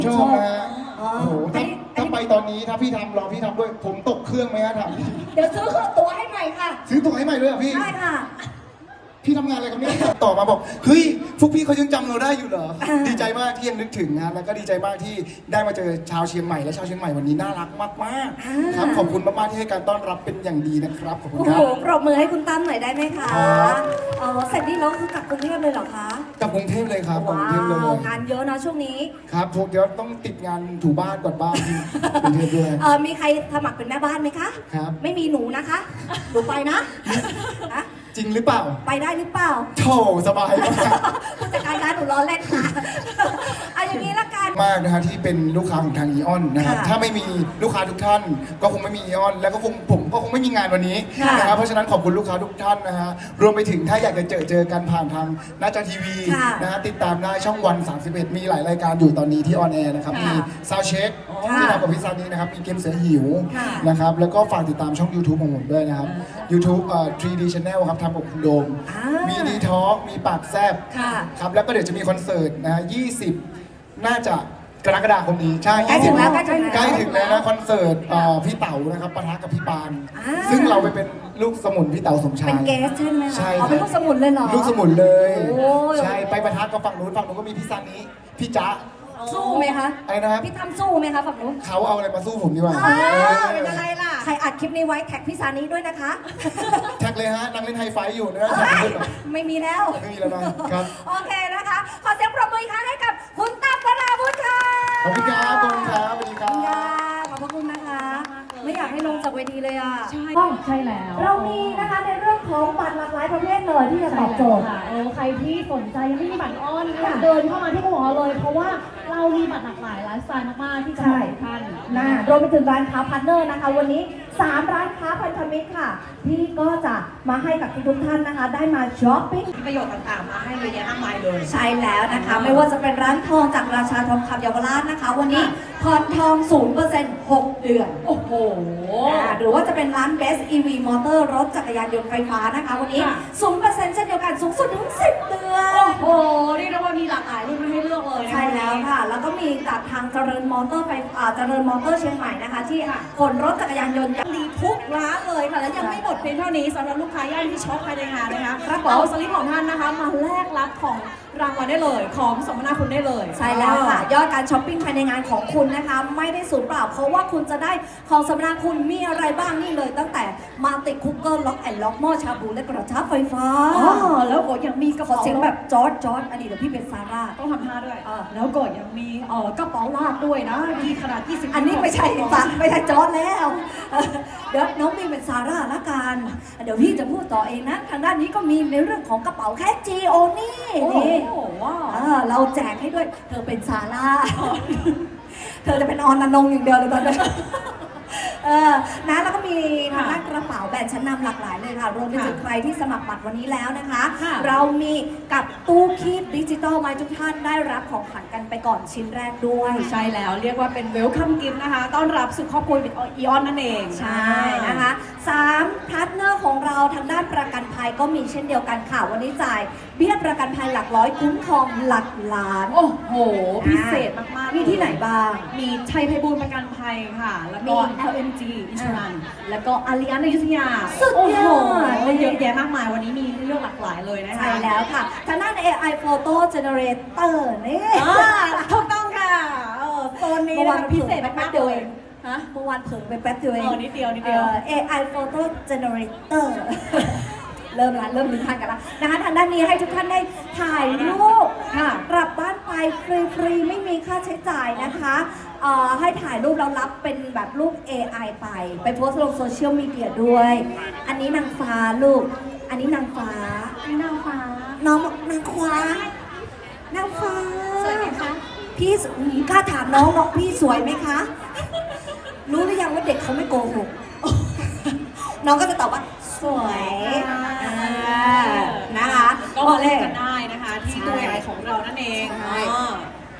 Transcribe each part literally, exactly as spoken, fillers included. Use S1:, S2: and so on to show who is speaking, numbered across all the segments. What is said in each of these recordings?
S1: ชอบนะฮะ
S2: อ๋อ
S1: โอ้โห
S2: อัน
S1: ถ้า
S2: นี้
S1: ถ้าไปตอนนี้ถ้าพี่ทำรอพี่ทำด้วยผมตกเครื่องไหมฮะถาม
S2: เดี๋ยวซื้อตั๋วให้ใหม่ค่ะ
S1: ซื้อตั๋วให้ใหม่ด้วยเหรอพี่
S2: ได้ค่ะ
S1: พี่ทำงานอะไรครับเนี่ยต่อมาบอกเฮ้ยพวกพี่เขายังจำเราได้อยู่เหรอ
S2: อ่า
S1: ดีใจมากที่ยังนึกถึงนะแล้วก็ดีใจมากที่ได้มาเจอชาวเชียงใหม่และชาวเชียงใหม่วันนี้น่ารักมากๆครับขอบคุณมากๆที่ให้การต้อนรับเป็นอย่างดีนะครับขอบคุณ
S2: โอ้
S1: ครั
S2: โห
S1: บ
S2: ปรบมือให้คุณตั้มหน่อยได้ไหมคะ
S1: ครับ
S2: อ๋อเสร็จนี่แล้วคือกลับกรุงเทพเลยเหรอคะ
S1: กลับกรุงเทพเลยครับกลับกรุงเทพเลย
S2: ว้าวงานเยอะนะช่วงนี้
S1: ครับพวกเดี๋ยวต้องติดงานถูบ้านกวาดบ้านที่กรุงเทพด้วย
S2: เออมีใครสมัครเป็นแม่บ้านไหมคะ
S1: ครับ
S2: ไม่มีหนูนะคะ หนูไปนะนะ
S1: จริงหรือเปล่า
S2: ไปได้หรือเปล่า
S1: โถสบายมาก
S2: ผู้จัดการร้านหนูล้อเล่นค่ะเอาอย่างนี้ละกัน
S1: มากนะฮะที่เป็นลูกค้าของทางอีออนนะครับ
S2: ค่ะ
S1: ถ้าไม่มีลูกค้าทุกท่าน ก็คงไม่มีอีออนแล้วก็คงผมก็คงไม่มีงานวันนี้
S2: ค่ะ
S1: นะครับเพราะฉะนั้นขอบคุณลูกค้าทุกท่านนะฮะรวมไปถึงถ้าอยากจะเจอเจอกันผ่านทางหน้าจอทีวี
S2: ค่ะ
S1: นะฮะติดตามได้ช่องวัน สามสิบเอ็ด มีหลายรายการอยู่ตอนนี้ที่ออนแอร์นะครับ
S2: ค่ะ
S1: มีซาวเช็ค
S2: ค่ะ
S1: ที่ทำกับพี่ซานี้นะครับมีเกมเสือหิว
S2: ค่ะ
S1: นะครับแล้วก็ฝากติดตามช่อง YouTube ของผมด้วยนะครับ YouTube เอ่อ ทรี ดี Channel ครับทำกับคุณโดม
S2: อ่า
S1: มีดีทอล์กมีปากแซบ
S2: ค่ะ
S1: ครับแล้วก็เดี๋ยวจะมีคอนเสิร์ตนะฮะยี่สิบ น่าจะกรกฎาคมนี้ใช่
S2: ใกล้ถึงแล้วใกล้ถึงแล้ว
S1: ใกล้ถึงแล้วนะคอนเสิร์ตเอ่อพี่เต๋านะครับปะทะกับพี่ปาน
S2: อ่า
S1: ซึ่งเราไปเป็นลูกสมุนพี่เต๋าสมชา
S2: เป็น
S1: ย
S2: เกสใช่ไหมคะ
S1: ใช่
S2: อ๋อเป็น
S1: ค
S2: ลู
S1: รับ
S2: กสมุนเลยเหรอ
S1: ลูกสมุนเลย
S2: โอ้ย
S1: ใช่ไปปะทะกับฝั่งนู้นฝั่งนู้นก็มีพี่ซานิพี่จ๊ะ
S2: สู้ไหมคะ
S1: อะไรนะครับ
S2: พี่ตั้มสู้ไหมคะฝั่งนู้น
S1: เขาเอาอะไรมาสู้ผมดีกว่า
S2: อ้าว
S1: เออ
S2: เป็นอะไรล่ะ ใครอัดคลิปนี้ไว้แท็กพี่ซานี้ด้วยนะคะ
S1: แท็กเลยฮะนั่งเล่นไฮไฟว์อยู่นะแท็กเพื่อนหน่อย
S2: ไม่มีแล้ว
S1: ไม่มีแล้วนะครับ
S2: โอเคนะคะ ขอเสียงปรบมืออีกครั้งให้กับคุณตั้มวราวุฒิค่ะ
S1: ขอบคุณครับขอบคุณครับสวัสดีค
S2: ขอบคุณ
S1: รั
S2: ค่ะ
S1: บ
S2: ขอบพระคุณนะคะ ไม่อยากให้ลงจากเวทีเลยอ่ะ
S3: ใช่ใช่แล้ว
S2: เรามีนะคะในเรื่องของบัตรหลากหลายประเภทเลยที่จะตอบโจทย์
S3: ค่ะเออใครที่สนใจยังไม่มีบัตรออน
S2: ค่ะ
S3: เดินเข้ามาที่หอเลย เพราะว่าเรามีบัตรหลากหลายไลฟ์สไตล์มากๆที่จะเหมาะกับท่าน
S2: นะรวมไปถึงร้านค้าพาร์ทเนอร์นะคะ วันนี้สามร้านค้าพันธมิตรค่ะ ที่ก็จะมาให้กับทุกๆท่านนะคะ ได้มาช้อปปิ้ง
S3: ประโยชน์ต่างๆ มาให้เยอะแยะมากมายเลย
S2: ใช่แล้วนะคะ ไม่ว่าจะเป็นร้านทองจากราชาทองคำเยาวราชนะคะ วันนี้ผ่อนทอง ศูนย์เปอร์เซ็นต์ หก เดือน
S3: โอ้โห
S2: อ่าหรือว่าจะเป็นร้าน Best อี วี Motor รถจักรยานยนต์ไฟฟ้านะคะ วันนี้
S3: ค่ะ
S2: ศูนย์เปอร์เซ็นต์เช่นเดียวกันสูงสุดถึงสิบเดือน
S3: โอ้โหเรียกได้ว่ามีหลากหลายรุ่นให้เลือกเลยนะคะ
S2: ใช่แล้วค่ะ แล้วก็มีจากทางเจริญมอเตอร์ไฟอ่าเจริญมอเตอร์เชียงใหม่นะคะ ที่ขนรถจักรยานยนต์
S3: ดีทุกร้านเลยค่ะ และยังไม่หมดเพียงเท่านี้สำหรับลูกค้าย่านที่ช็อปภายในงานนะคะ
S2: ครับผม
S3: เอาสลิปของท่านนะคะ มาแลกรับของรางวัลได้เลย ของสมนาคุณได้เลย
S2: ใช่แล้วค่ะ ยอดการช้อปปิ้งภายในงานของคุณนะคะ ไม่ได้สูญเปล่า เพราะว่าคุณจะได้ของสำนาคุณมีอะไรบ้างนี่เลย ตั้งแต่มาติดคุกเกอร์ล็อกแอนล็อกหม้อชาบูและกระทะไฟฟ้า
S3: อ๋อแล้วก็ยังมีกระ
S2: ขอ
S3: เป๋า
S2: เสียงแบบจอร์ดจอร์ดอันนี้เดี๋ยวพี่เป็นซาร่า
S3: ต้องทำท่าด้วย
S2: เออ
S3: แล้วก็ยังมีเอ่อกระเป๋าลากด้วยนะมีขนาดยี่สิบ
S2: อันนี้ไม่ใช่ซาไม่ใช่จอร์ดแล้วเออเดี๋ยวน้องมีเป็นซาร่าละกัน เดี๋ยวพี่จะพูดต่อเองนะ ทางด้านนี้ก็มีในเรื่องของกระเป๋าแค่จีโอนี่
S3: โอ้โห
S2: นี่
S3: ว้าว
S2: เออเราแจกให้ด้วย เธอเป็นซาร่า เธอจะเป็นออนอนงอย่างเดียวเลยตอนนี้ เออนะแล้วก็มีทางด้านกระเป๋าแบรนด์ชั้นนำหลากหลายเลยค่ะ รวมไปถึงใครที่สมัครบัตรวันนี้แล้วนะคะ
S3: ค่ะ
S2: เรามีกับตู้คีบดิจิตอลมาให้ทุกท่านได้รับของขวัญกันไปก่อนชิ้นแรกด้วย
S3: ใช่แล้วเรียกว่าเป็นเวลคัมกิฟต์นะคะ ต้อนรับสู่ครอบครัวอีออนนั่นเอง
S2: ใช่นะคะสามพาร์ทเนอร์ของเราทางด้านประกันภัยก็มีเช่นเดียวกันค่ะ วันนี้จ่ายเบี้ยประกันภัยหลักร้อยคุ้มครองหลักล้าน
S3: โอ้โห พิเศษมากๆ
S2: มีที่ไหนบ้าง
S3: มีชัยไพบูลย์ประกันภัยค่ะ แล้วก็
S2: มี
S3: แอล เอ็ม จี Insurance แล้วก็อาริอันอยุธยา
S2: สุดยอด
S3: โอ้โหเยอะแยะมากมาย วันนี้มีเรื่องหลากหลายเลยนะคะ
S2: ใช่แล้วค่ะทางด้าน เอ ไอ Photo Generator นี่
S3: อ่าถูกต้องค่ะเออโซนนี้
S2: เมื่อ
S3: นะ
S2: วาน
S3: คะพิเศษ
S2: แป๊
S3: มา
S2: บ
S3: กๆ
S2: เดียว
S3: เล
S2: เอย ง
S3: ฮะ
S2: เมื่อวานเผลอไปแป๊บเดียวเอง
S3: เออนิดเดียวนิดเดียว
S2: เอ่อ เอ ไอ Photo Generator เริ่มละเริ่มมีทันกันละนะคะทางด้านนี้ให้ทุกท่านได้ถ่ายรูป
S3: ค่ะ
S2: กลับบ้านไปฟรีๆไม่มีค่าใช้จ่ายนะคะเอ่อให้ถ่ายรูปแล้วรับเป็นแบบรูป เอ ไอ ไป ไปโพสต์ลงโซเชียลมีเดียด้วย อันนี้นางฟ้าลูก อันนี้นางฟ้า
S3: นางฟ้า
S2: น้องบอกนางฟ้านางฟ้า
S3: สวยไหมคะ
S2: พี่สอืมกล้าถามน้องน้องพี่สวยไหมคะ รู้หรือยังว่าเด็กเขาไม่โกหก น้องก็จะตอบว่าสวยอ่านะคะ
S3: ก็มาเล่นกันได้นะคะ ที่
S2: ใช่
S3: ตัวใหญ่ของเรานั่นเอง
S2: ใช่
S3: อ๋อ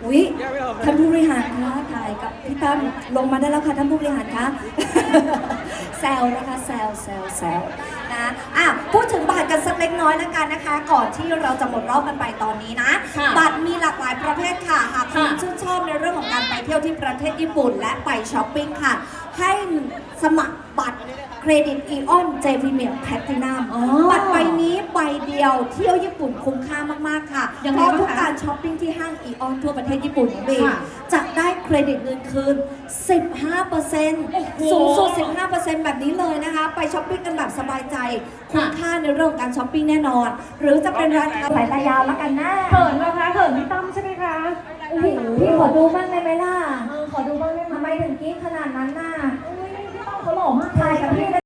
S2: อุ๊ยท่านผู้บริหารคะถ่ายกับพี่ตั้มลงมาได้แล้วค่ะท่านผู้บริหารคะ แซวนะคะแซวแซวแซวนะอ่ะพูดถึงบัตรกันสักเล็กน้อยแล้วกันนะคะ ก่อนที่เราจะหมดรอบกันไปตอนนี้นะ
S3: ค่ะ
S2: บัตรมีหลากหลายประเภทค่ะหากคุณ
S3: ค่ะ
S2: ชื่นชอบในเรื่องของการไปเที่ยวที่ประเทศญี่ปุ่น และไปช้อปปิ้งค่ะ ให้สมัครบัตรเครดิตอีออนเจพีเมียแพลตินัม
S3: อ๋อ
S2: บัตรใบนี้ใบเดียวเที่ยวญี่ปุ่นคุ้มค่ามากๆค่ะ
S3: ยัง
S2: เพ
S3: ไง
S2: ราะ
S3: บ้าง
S2: ทุก
S3: คะ
S2: การช้อปปิ้งที่ห้างอีออนทั่วประเทศญี่ปุ่นของบี
S3: ค่ะ
S2: จะได้เครดิตเงินคืน สิบห้าเปอร์เซ็นต์
S3: โอ้โห
S2: สูงสุด สิบห้าเปอร์เซ็นต์ แบบนี้เลยนะคะ ไปช้อปปิ้งกันแบบสบายใจ คุ้มค่าในเรื่องของการช้อปปิ้งแน่นอน หรือจะเป็นร้านค้าสายตายาวแล้วกันนะ
S3: เขินนะคะเขินพี่ตั้มใช่ไหมคะโอ้โห
S2: พี่ขอดูบ้างได้ไหมล่ะ
S3: เออขอดูบ้างได้ไหม
S2: ทำไมถึงกรี๊ดขนาดนั้นน่ะ
S3: อุ้ยพี่ตั้มเขาหล่อมาก
S2: ถ่ายกับพี่